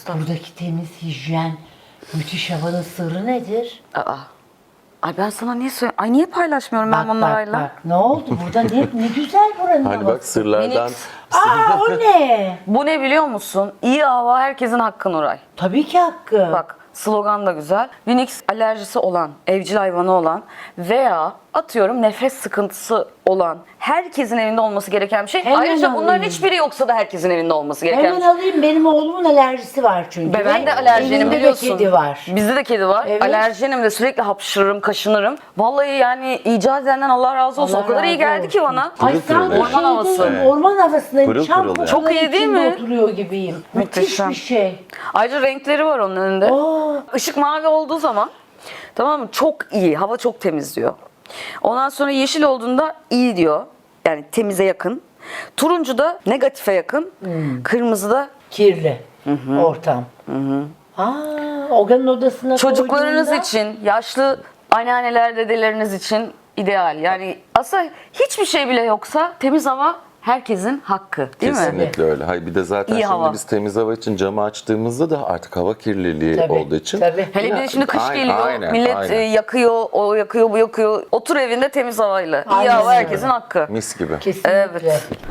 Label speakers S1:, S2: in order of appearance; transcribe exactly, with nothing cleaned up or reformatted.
S1: estağfurullah.
S2: Buradaki temiz hijyen, müthiş havanın sırrı nedir?
S1: Aa. Ay ben sana niye söyleyeyim? Ay niye paylaşmıyorum ben
S2: Bak
S1: bunlarla?
S2: bak bak, ne oldu? Burada ne, ne güzel buranın
S3: Hani bak
S2: havası.
S3: sırlardan
S1: Minik.
S2: Aa, o ne?
S1: Bu ne biliyor musun? İyi hava herkesin hakkı Nuray.
S2: Tabii ki hakkı.
S1: Bak slogan da güzel. Phoenix alerjisi olan, evcil hayvanı olan veya atıyorum nefes sıkıntısı olan herkesin evinde olması gereken bir şey.
S2: Hemen
S1: Ayrıca bunların
S2: alayım.
S1: hiçbiri yoksa da herkesin evinde olması gereken
S2: Hemen
S1: bir şey.
S2: alayım, benim oğlumun alerjisi var çünkü.
S1: Ve ben
S2: Ve
S1: de alerjenim
S2: evinde de
S1: biliyorsun.
S2: kedi var.
S1: Bizde de kedi var.
S2: Evet.
S1: Alerjenim de sürekli hapşırırım, kaşınırım. Vallahi yani icat edenden Allah razı olsun.
S2: Allah
S1: o kadar iyi
S2: razı
S1: geldi ki
S2: olsun.
S1: bana.
S2: Ay
S3: Pırıl pırıl
S2: sanki
S3: yani.
S1: Orman havası.
S2: şeydeyim, orman havasındayım.
S3: Pırıl
S2: Çam
S3: pırıl yani.
S1: Çok iyi değil
S2: içinde
S1: mi?
S2: oturuyor gibiyim. Müthiş
S1: Muhteşem.
S2: bir şey.
S1: Ayrıca renkleri var onun önünde.
S2: Oo.
S1: Işık mavi olduğu zaman tamam mı? Çok iyi. Hava çok temiz diyor. Ondan sonra yeşil olduğunda iyi diyor. Yani temize yakın. Turuncu da negatife yakın.
S2: Hmm.
S1: Kırmızı da
S2: Kirli ortam. Aa, Oga'nın odasına
S1: çocuklarınız
S2: koyduğunda-
S1: için, yaşlı anneanneler, dedeleriniz için ideal. Yani aslında hiçbir şey bile yoksa temiz hava herkesin hakkı. Değil mi?
S3: kesinlikle öyle. Hayır bir de zaten
S1: İyi
S3: şimdi
S1: hava.
S3: biz temiz hava için camı açtığımızda da artık hava kirliliği
S2: Tabii,
S3: olduğu için
S2: tabii.
S1: Hele bir de şimdi kış
S3: Aynen,
S1: geliyor.
S3: aynen,
S1: Millet
S3: aynen.
S1: e, yakıyor, o yakıyor, bu yakıyor. Otur evinde temiz havayla. İyi
S2: Aynen
S1: hava
S2: öyle.
S1: herkesin hakkı.
S3: mis gibi.
S2: Kesinlikle.
S1: Evet.